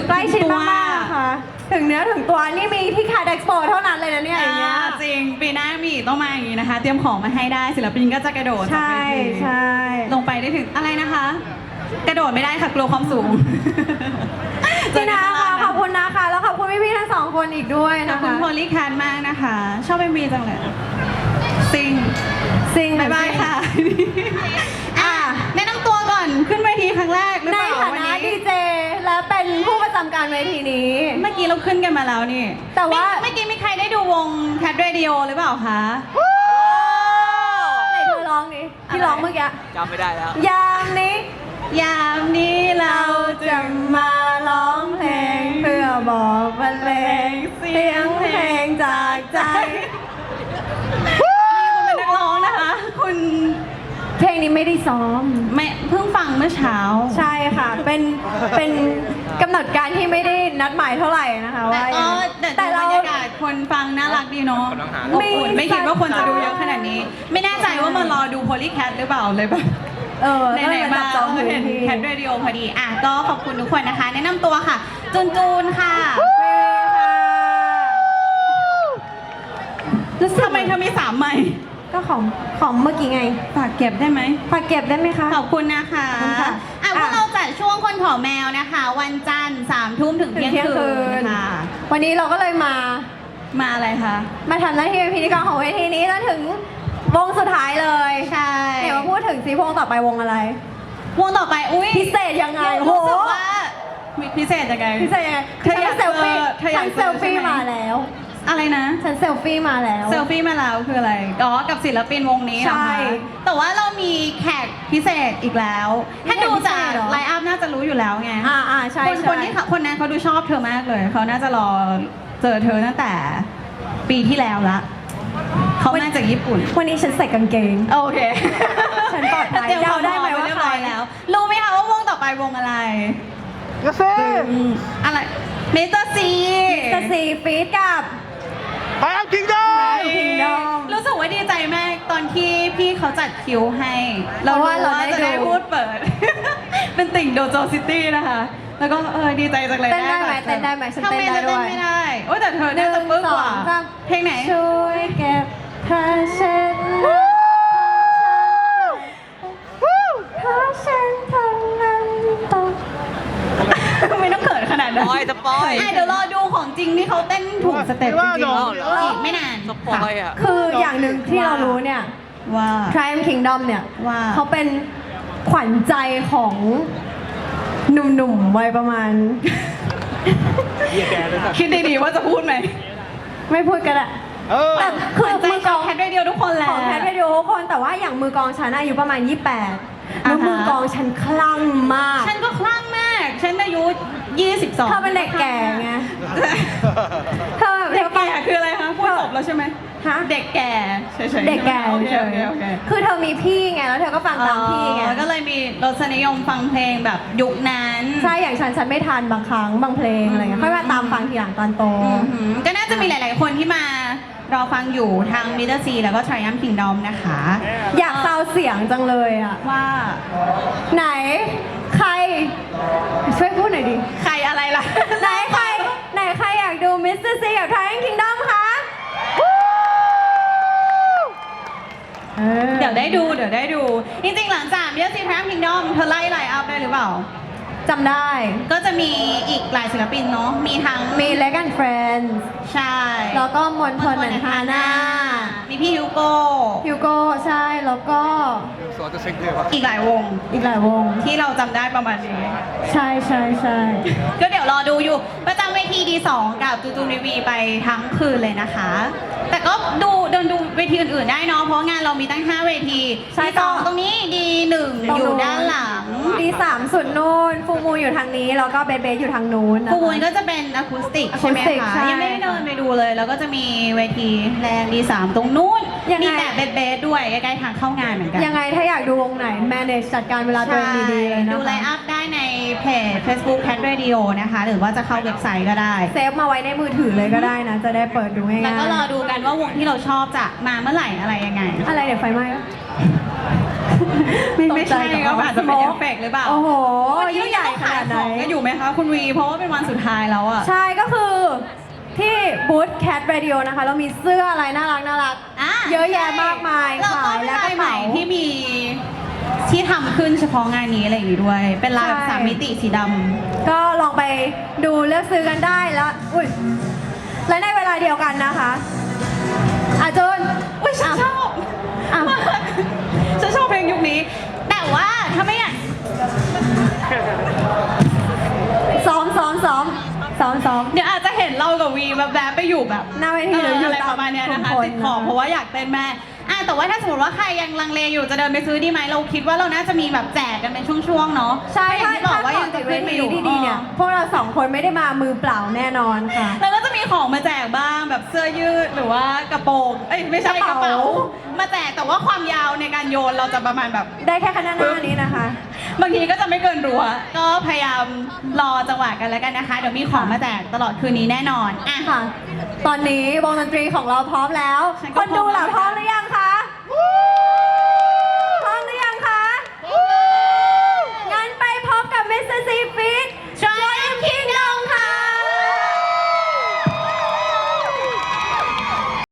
ใกล้ชิดมากๆค่ะถึงเนื้อถึงตัวนี่มีที่คาเด็กโปเท่านั้นเลยนะเนี่ยอย่างเงี้ยจริงปีหน้ามีอีกต้องมาอย่างนี้นะคะ เตรียมของมาให้ได้ศิลปินก็จะกระโดดใช่ใช่ลงไปได้ถึงอะไรนะคะ กระโดดไม่ได้ค่ะกลัวความสูงพี่นาค่ะขอบคุณนะคะแล้วขอบคุณพี่ๆทั้งสองคนอีกด้วยขอบนะคุณคะโพลีแคทมากนะคะ ชอบMVจังเลยซิงซิงบ๊ายบายค่ะแนะนำตัวก่อนขึ้นเวทีครั้งแรกหรือในเปล่าฐาวันนะนี้ดีเจและเป็นผู้ประจำการเวทีนี้เมื่อกี้เราขึ้นกันมาแล้วนี่แต่ว่าเมื่อกี้มีใครได้ดูวง Cat Radio หรือเปล่าคะไหนเธอร้องนี่ที่ร้องเมื่อกี้จำไม่ได้แล้วยามนี้ยามนี้เราจะจะมาร้องเพลงเพื่อบอกบรรเลงเสียงเพลงจากใจคุณเป็นนักร้องนะคะ คุณเพลงนี้ไม่ได้ซ้อมไม่เพิ่งฟังเมื่อเช้าใช่ค่ะ เป็นกำหนดการที่ไม่ได้นัดหมายเท่าไหร่นะคะแต่ว่าก็แต่แต่บรเรารยากาศคนฟังน่ารักดีเนาะกำลังหาอบอุ่นไม่คิดว่าคนจะดูเยอะขนาดนี้ ไม่แน่ใจว่ามารอดูโพลีแคทหรือเปล่าเลยแบบ ไหนๆมาจับจองเห็นแคทเรดิโอพอดีอ่ะก็ขอบคุณทุกคนนะคะ แนะนำตัวค่ะ จูนจูนค่ะทำไมเธอมี3ไมค์ก็ของเมื่อกี้ไงฝากเก็บได้ไหมฝากเก็บได้ไหมคะขอบคุณนะคะขอบคุณค่ะอ่ะพวกเราจัดช่วงคนขอแมวนะคะ วันจันทร์3 ทุ่มถึงเที่ยงคืนค่ะวันนี้เราก็เลยมามาอะไรคะมาทำหน้าที่เป็นพิธีกรของเวทีนี้จนถึงวงสุดท้ายเลยใช่เดี๋ยวมาพูดถึงซีวงต่อไปวงอะไรวงต่อไปอุ้ยพิเศษยังไงรู้สึกว่ามีพิเศษยังไงพิเศษยังไงเธออยากฉันเซลฟี่เธออยากฉันเซลฟี่เจอใช่ไหมมาแล้วอะไรนะฉันเซลฟี่มาแล้วเซลฟี่มาแล้วคืออะไร อ๋อ กับศิลปินวงนี้เหรอใช่คะแต่ว่าเรามีแขกพิเศษอีกแล้ว ถ้าดูจากพิเศษเหรอไลน์อัพน่าจะรู้อยู่แล้วไงใช่คนใช่คนที่คนนั้นเขาดูชอบเธอมากเลย เขาน่าจะรอเจอเธอตั้งแต่ปีที่แล้วละ เขามาจากญี่ปุ่นวันนี้ฉันใส่กางเกงโอเคฉันปลอดภัยเตรียมเดาได้ไหมว่าเรียบร้อยใครแล้ว รู้ไหมคะว่าวงต่อไปวงอะไรกาแฟอะไรเมเตอร์ซีจะซีฟีดกับไปอัพคิงดอม Kingdom รู้สึกว่าดีใจมากตอนที่พี่เขาจัดคิวให้ เรารู้ว่าจะได้พูดเปิด เป็นติ่งโดโจซิตี้นะคะ แล้วก็ดีใจจังเลยเต้นได้ไหมบัตรเต้นได้ไหมฉันทำเต้นไมได้จะด้เต้นวยไม่ได้โอ้ยแต่เธอน่าจะปึ๊กกว่า 1 2 3 เพลงไหนช่วยเก็บผ้าเช็ดหน้าเพราะฉันทำงานตกไม่ต้องเขินขนาดนั้นสปอยสปอยเดี๋ยวรอดูของจริงที่เขาเต้นถูกสเต็ปจริงๆอีกไม่นานสปอยอ่ะคืออย่างหนึ่งที่เรารู้เนี่ยว่า Triumph Kingdom เนี่ยว่าเขาเป็นขวัญใจของหนุ่มๆวัยประมาณเยี่ยแกเลยครับคิดดีๆว่าจะพูดไหมไม่พูดกันอะ แต่คือใจมือกลองแคทเรดิโอทุกคนแหละของแพทย์วิดีโอทุกคนแต่ว่าอย่างมือกลองฉันอายุประมาณ 28แล้วมือกลองฉันคลั่งมากฉันก็คลั่งมาก ฉันอายุ 22 เธอเป็นเด็กแก่ไงเธอแบบเด็กแก่คืออะไรคะพูดจบแล้วใช่ไหมฮะเด็กแก่เฉยๆเด็กแก่โอเคเฉโอย เคโอเคๆคือเธอมีพี่ไงแล้วเธอก็ฟังตามพี่ไงก็เลยมีรสนิยมฟังเพลงแบบยุคนั้นใช่อย่างฉันไม่ทันบางครั้งบางเพลงอะไรเงี้ยค่อยมาตามฟังทีหลังตอนโตอือหือก็น่าจะมีหลาย ๆ คนที่มารอฟังอยู่ทางมิเตอร์ซีแล้วก็ Triumph Kingdom นะคะอยากซาวเสียงจังเลยอะว่าไหนใครช่วยพูดหน่อยดิใครอะไรล่ะไหนใครอยากดูมิสเตอร์ซีกับ Triumph Kingdom คะเดี๋ยวได้ดู จริง ๆ หลังจากมิเตอร์ซี Triumph Kingdom เธอไล่ไลน์อัพได้หรือเปล่าจำได้ก็จะมีอีกหลายศิลปินเนาะ มีทั้งมี Leg and Friends ใช่แล้วก็มนทนเหมือนฮาน่ามีพี่ฮิวโก้ฮิวโก้ใช่แล้วก็สอนจะเซ็งเลยวะอีกหลายวงอีกหลายวงที่เราจำได้ประมาณนี้ใช่ใช่ใช่ก็เดี๋ยวรอดูอยู่ ประจำเวทีดีสองกับจูจูนีวีไปทั้งคืนเลยนะคะ แต่ก็เดินดูเวทีอื่นๆได้เนาะ เพราะงานเรามีตั้ง 5 เวทีดีสองตรงนี้ดีหนึ่งอยู่ด้านหลังดีสามสุดนู่นฟูมูอยู่ทางนี้แล้วก็เบเบอยู่ทางนู้นนะคะฟูมูลก็จะเป็นอะคูสติกใช่ไหมอะคูสติกคะใช่ยังไม่ได้เดินไปดูเลย แล้วก็จะมีเวทีแรงดีสามตรงนู้นยังไงมีแบบเบสๆด้วยใกล้ๆทางเข้างานเหมือนกันยังไงถ้าอยากดูวงไหน manage จัดการเวลาตัวเองดีๆเลยนะคะดูไลน์อัพได้ในเพจ Facebook Cat Radio นะคะ หรือว่าจะเข้าเว็บไซต์ก็ได้เซฟมาไว้ในมือถือเลยก็ได้นะ จะได้เปิดดูง่ายๆแล้วก็รอดูกันว่าวงที่เราชอบจะมาเมื่อไหร่อะไรยังไงอะไรเดี๋ยวไฟไหม้ปะไม่ใช่ตกใจกับก็อาจจะเป็นเอฟเฟกต์หรือเปล่าโอ้โหวันนี้ยิ่งใหญ่ขนาดนาดไหนก็อยู่ไหมคะคุณวี เพราะว่าเป็นวันสุดท้ายแล้วอะใช่ก็คือที่บูธ Cat Radio นะคะ เรามีเสื้ออะไรน่ารักเยอะแยะมากมายแล้วก็ขายเป็นและกลาระยใหม่เป๋าที่มีที่ทำขึ้นเฉพาะงานนี้อะไรอย่างงี้ด้วย เป็นลายแบบใช่ 3 มิติสีดำก็ลองไปดูเลือกซื้อกันได้แล้วอุ้ยและในเวลาเดียวกันนะคะจูนอุ้ยฉันชอบอ่ะมากฉันชอบเพลงยุคนี้ แต่ว่าถ้าไม่อยากซ้อมเดี๋ยวอาจจะเห็นเรากับวีแบบไปอยู่แบบหน้าเวทีหรืออยู่อะไรตามประมาณเนี้ยนะคะกลุ่มคนติดขอบนะเพราะว่าอยากเต้นแม่แต่ว่าถ้าสมมติว่าใครยังลังเลอยู่จะเดินไปซื้อดีไหมเราคิดว่าเราน่าจะมีแบบแจกกันเป็นช่วงๆเนาะใช่เพราะอย่างที่บอกว่ายังจะเวขึ้นไปทีอยู่ที่ดีเนี่ย พวกเราสองคนไม่ได้มามือเปล่าแน่นอนค่ะแล้วก็จะมีของมาแจกบ้างแบบเสื้อยืดหรือว่ากระโปรงไม่ใช่กระเป๋ามาแจกแต่ว่าความยาวในการโยนเราจะประมาณแบบได้แค่ขนาดหน้านี้นะคะบางทีก็จะไม่เกินรั้วก็พยายามรอจังหวะกันแล้วกันนะคะ เดี๋ยวมีของมาแจกตลอดคืนนี้แน่นอนอ่ะค่ะ ตอนนี้วงดนตรีของเราพร้อมแล้วฉันคก็นดูล่ะพพร้ร้ออมมหรือยังคะ